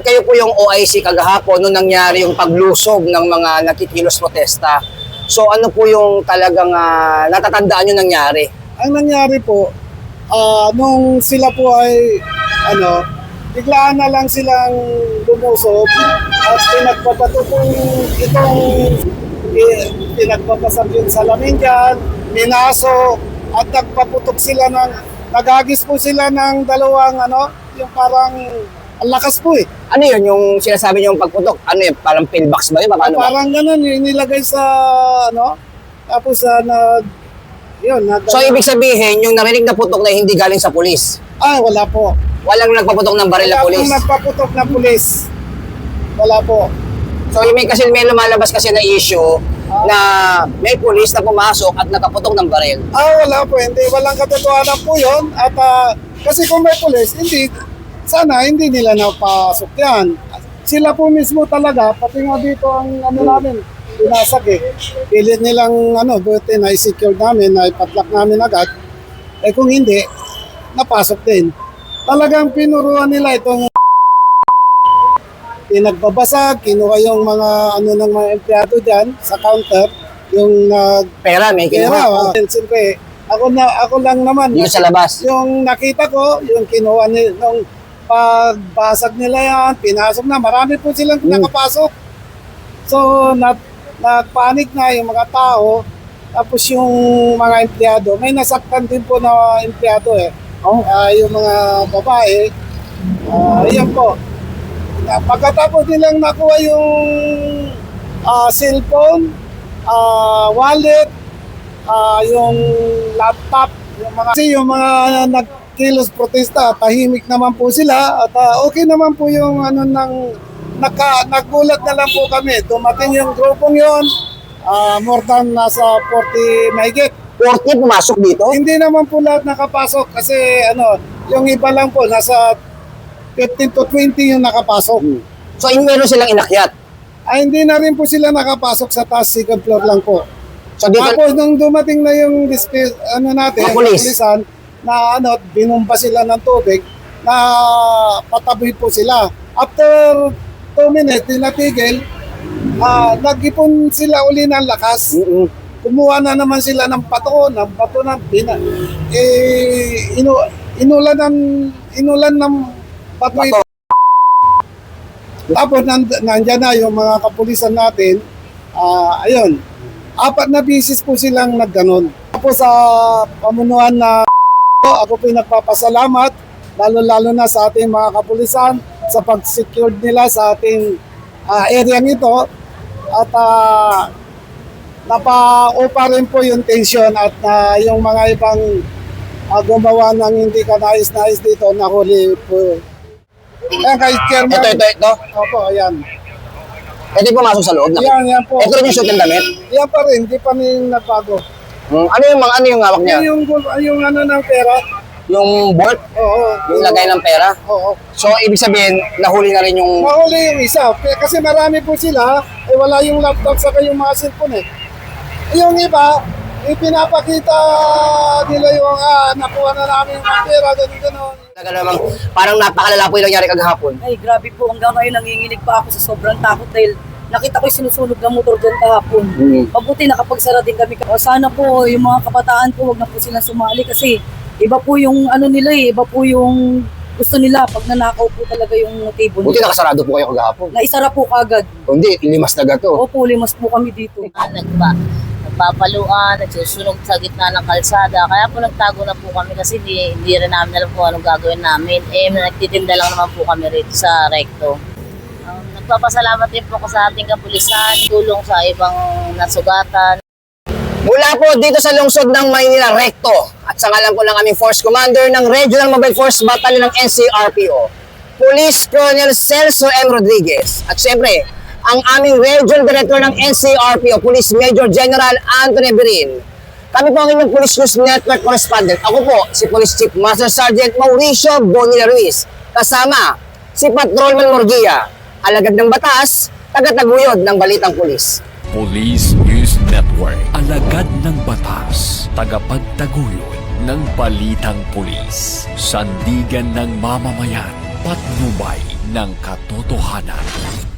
kayo po yung OIC kagahapon nung nangyari yung paglusob ng mga nakikilos protesta. So ano po yung talagang natatandaan nyo nangyari? Ang nangyari po, nung sila po ay, biglaan na lang silang lumusob at pinagpapato po pinagpapasag yung salamin dyan, minaso, at nagpaputok sila nagagis po sila ng dalawang, yung parang ang lakas po eh. Ano yun yung sinasabi nyo yung pagputok? Ano yun? Parang pillbox ba yun? Paano ba? Parang ganun, yung nilagay sa, tapos yun. So ibig sabihin, yung narinig na putok na hindi galing sa pulis? Wala po. Walang nagpaputok ng baril na pulis? Wala pong nagpaputok na pulis. Wala po. So may lumalabas kasi na issue na may pulis na pumasok at nakaputok ng baril. Wala po. Hindi. Walang katotohanan po yun. At kasi kung may pulis, sana hindi nila napasok yan. Sila po mismo talaga, pati nga dito ang namin, binasag eh. Pilit nilang buti na i-secure namin, na ipatlak namin agad. Kung hindi, napasok din. Talagang pinuruan nila itong pinagbabasag, kinuha yung mga ng mga empleyado dyan sa counter, yung Pera, may kinuha. Siyempre, ako lang naman. Yung sa labas. Yung nakita ko, yung kinuha nung pagbasag nila yan, pinasok na, marami po silang nakapasok. So, nagpanik na yung mga tao, tapos yung mga empleyado, may nasaktan din po na empleyado eh. Yung mga babae, yan po. Pagkatapos nilang nakuha yung cellphone, wallet, yung laptop, yung mga nagkilos protesta, tahimik naman po sila at okay naman po yung naggulat na lang po kami. Dumating yung grupong yon, more than nasa 40 mahigit. 40 pumasok dito? Hindi naman po lahat nakapasok kasi yung iba lang po, nasa 15 to 20 yung nakapasok. So meron silang inakyat? Hindi na rin po sila nakapasok sa taas, second floor lang po. So dito, Tapos nung dumating na yung pulisan, na binumba sila ng tubig, na pataboy po sila. After 2 minutes, tinatigil, nag-ipon sila uli ng lakas. Kumuha na naman sila ng bato inulan ng bato. Tapos nandyan na yung mga kapulisan natin. Ayun, 4 na bisis po silang nagganon. Tapos sa pamunuan na ako po nagpapasalamat, lalo-lalo na sa ating mga kapulisan sa pag-secure nila sa ating area nito. At napa-upa rin po yung tension at yung mga ibang gumawa ng hindi ka nais-nais dito, nahuli po. Ayan kay Chairman. Ito. Opo, ayan. Ito yung pumasok sa loob? Yan po. Ito rin yung suit ng damit? Yan pa rin, hindi pa rin nagbago. Ano yung hawak niya? Yung ng pera. Yung bolt? Oo. Yung lagay ng pera? Oo. So, ibig sabihin, nahuli na rin yung... Nahuli yung isa. Kasi marami po sila, wala yung laptop saka yung mga cellphone eh. Yung iba, ipinapakita nila yung nakuha na namin yung pera, gano'n. Talaga namang parang napakalala po yung nangyari kagahapon. Ay, grabe po. Hanggang ngayon nanginginig pa ako sa sobrang takot dahil nakita ko yung sinusunog ng motor doon kahapon. Mabuti nakapagsara din kami. Sana po yung mga kabataan po, huwag na po silang sumali kasi iba po yung nila iba po yung gusto nila pag nanakaw po talaga yung motibo nila. Buti nakasarado po kayo kagahapon. Naisara po kagad. Hindi, limas na gato. Opo, limas po kami dito. Nagpapaluan, nagsusunog sa gitna ng kalsada. Kaya po nagtago na po kami kasi hindi rin namin alam kung anong gagawin namin. Nagtitinda lang naman po kami rito sa Recto. Nagpapasalamat din po ko sa ating kapulisan, tulong sa ibang nasugatan. Mula po dito sa lungsod ng Maynila, Recto, at sa ngalan po ng aming Force Commander ng Regional Mobile Force Battalion ng NCRPO, Police Colonel Celso M. Rodriguez, at syempre, ang aming Regional Director ng NCRPO, Police Major General Anthony Berin. Kami po ang inyong Police News Network Correspondent. Ako po, si Police Chief Master Sergeant Mauricio Bonilla Ruiz, kasama si Patrolman Morgia, alagad ng batas, tagataguyod ng Balitang Pulis. Police News Network, alagad ng batas, tagapagtaguyod ng Balitang Pulis, sandigan ng mamamayan, patnubay ng katotohanan.